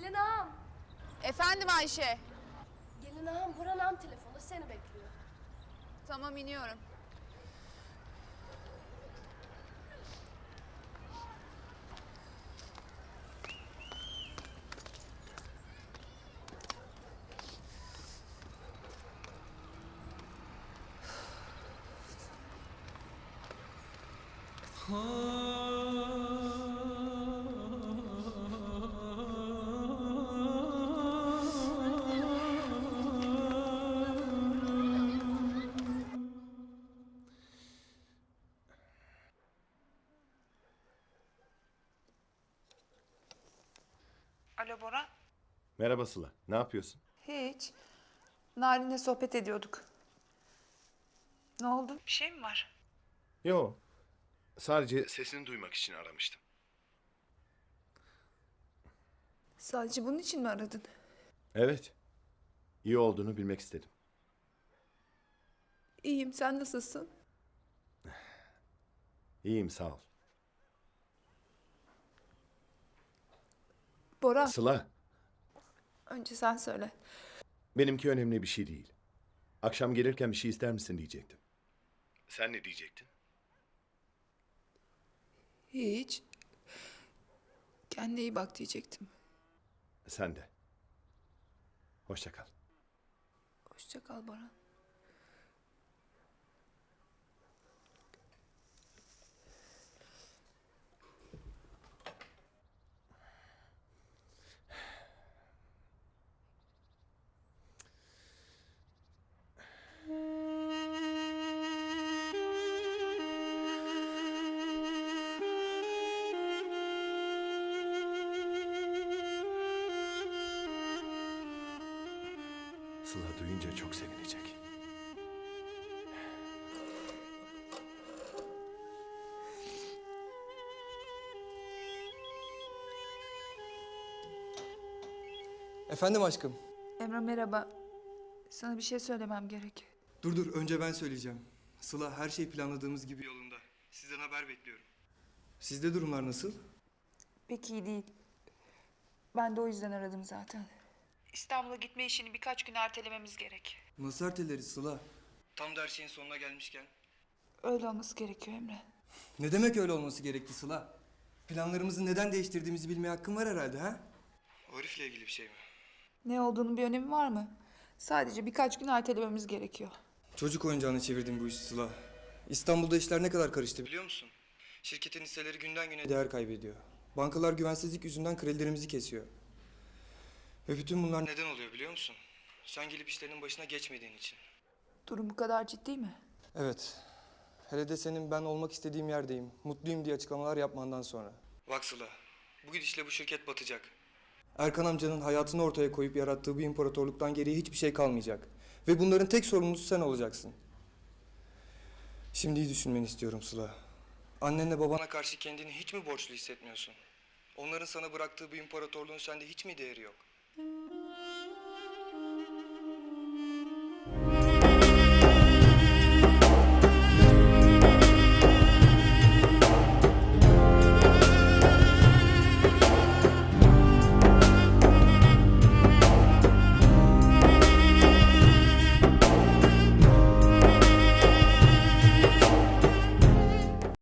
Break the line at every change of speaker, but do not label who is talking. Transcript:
Gelin ağam.
Efendim Ayşe.
Gelin ağam, Burhan ağam telefonu seni bekliyor.
Tamam, iniyorum.
Alo Bora.
Merhaba Sıla, ne yapıyorsun?
Hiç. Narin'le sohbet ediyorduk. Ne oldu? Bir şey mi var?
Yo, sadece sesini duymak için aramıştım.
Sadece bunun için mi aradın?
Evet, iyi olduğunu bilmek istedim.
İyiyim, sen nasılsın?
İyiyim, sağ ol.
Bora,
Sıla,
önce sen söyle.
benimki önemli bir şey değil. Akşam gelirken bir şey ister misin diyecektim. Sen ne diyecektin?
Hiç. Kendine iyi bak diyecektim.
Sen de. Hoşça kal.
Hoşça kal Bora.
Sıla duyunca çok sevinecek.
Efendim aşkım.
Emre merhaba. Sana bir şey söylemem gerek.
Dur önce ben söyleyeceğim. Sıla her şey planladığımız gibi yolunda. Sizden haber bekliyorum. Sizde durumlar nasıl?
Pek iyi değil. Ben de o yüzden aradım zaten. İstanbul'a gitme işini birkaç gün ertelememiz gerek.
Nasıl erteleriz Sıla? Tam da her şeyin sonuna gelmişken.
Öyle olması gerekiyor Emre.
Ne demek öyle olması gerekti Sıla? Planlarımızı neden değiştirdiğimizi bilmeye hakkın var herhalde ha? O herifle ilgili bir şey mi?
Ne olduğunun bir önemi var mı? Sadece birkaç gün ertelememiz gerekiyor.
Çocuk oyuncağına çevirdim bu işi Sıla. İstanbul'da işler ne kadar karıştı biliyor musun? Şirketin hisseleri günden güne değer kaybediyor. Bankalar güvensizlik yüzünden kredilerimizi kesiyor. Ve bütün bunlar neden oluyor biliyor musun? Sen gelip işlerinin başına geçmediğin için.
Durum bu kadar ciddi mi?
Evet. Hele de senin ben olmak istediğim yerdeyim, mutluyum diye açıklamalar yapmandan sonra. Bak Sıla, bu gidişle bu şirket batacak. Erkan amcanın hayatını ortaya koyup yarattığı bir imparatorluktan geriye hiçbir şey kalmayacak. Ve bunların tek sorumlusu sen olacaksın. Şimdi iyi düşünmeni istiyorum Sıla. Annenle babana karşı kendini hiç mi borçlu hissetmiyorsun? Onların sana bıraktığı bir imparatorluğun sende hiç mi değeri yok?